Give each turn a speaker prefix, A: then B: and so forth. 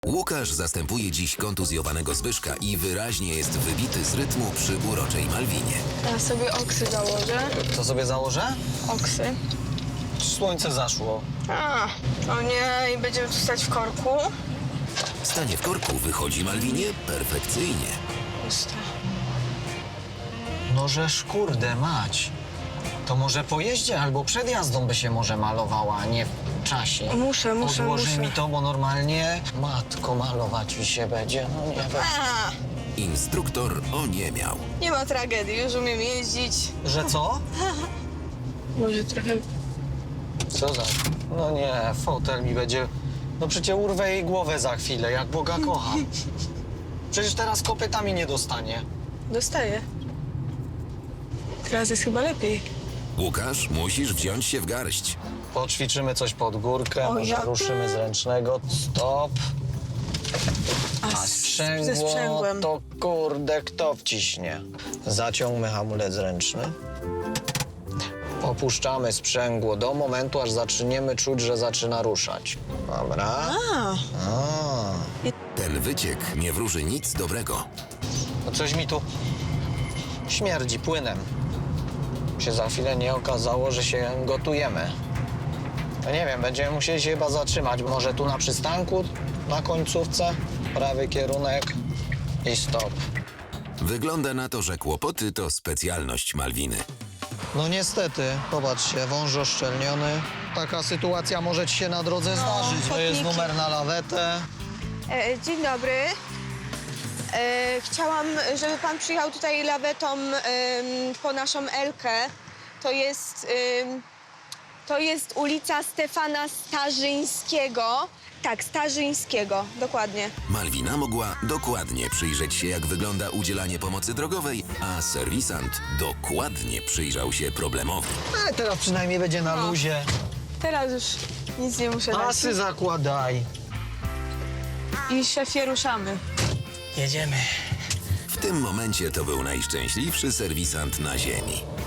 A: Łukasz zastępuje dziś kontuzjowanego Zbyszka i wyraźnie jest wybity z rytmu przy uroczej Malwinie.
B: Ja sobie oksy założę.
C: Co sobie założę?
B: Oksy.
C: Słońce zaszło.
B: O nie, i będziemy tu stać w korku.
A: Stanie w korku wychodzi Malwinie perfekcyjnie.
B: Puste.
C: No żeż kurde mać. To może po jeździe albo przed jazdą by się może malowała, a nie w czasie.
B: Muszę.
C: Odłoży mi to, bo normalnie matko malować mi się będzie. No nie wiem.
A: Instruktor oniemiał.
B: Nie ma tragedii, już umiem jeździć.
C: Że co?
B: Może trochę...
C: Co za... No nie, fotel mi będzie... No przecież urwę jej głowę za chwilę, jak Boga kocham. Przecież teraz kopytami nie dostanie.
B: Dostaję. Teraz jest chyba lepiej.
A: Łukasz, musisz wziąć się w garść.
C: Poćwiczymy coś pod górkę,
B: O,
C: może
B: ja-
C: ruszymy z ręcznego. Stop. A
B: ze
C: sprzęgło
B: sprzęgłem.
C: to kurde kto wciśnie? Zaciągmy hamulec ręczny. Opuszczamy sprzęgło do momentu, aż zaczniemy czuć, że zaczyna ruszać. Dobra.
A: Ten wyciek nie wróży nic dobrego.
C: No coś mi tu śmierdzi płynem. Się za chwilę nie okazało, że się gotujemy. No nie wiem, będziemy musieli się chyba zatrzymać. Może tu na przystanku, na końcówce, prawy kierunek i stop.
A: Wygląda na to, że kłopoty to specjalność Malwiny.
C: No niestety, popatrzcie, wąż oszczelniony. Taka sytuacja może ci się na drodze zdarzyć. To jest
B: chodniki.
C: numer na lawetę.
B: Dzień dobry. Chciałam, żeby pan przyjechał tutaj lawetą po naszą Elkę. To jest ulica Stefana Starzyńskiego. Tak, Starzyńskiego, dokładnie.
A: Malwina mogła dokładnie przyjrzeć się, jak wygląda udzielanie pomocy drogowej, a serwisant dokładnie przyjrzał się problemowi.
C: Ale teraz przynajmniej będzie na luzie.
B: Teraz już nic nie muszę dać.
C: Pasy zakładaj.
B: I szefie ruszamy.
C: Jedziemy.
A: W tym momencie to był najszczęśliwszy serwisant na ziemi.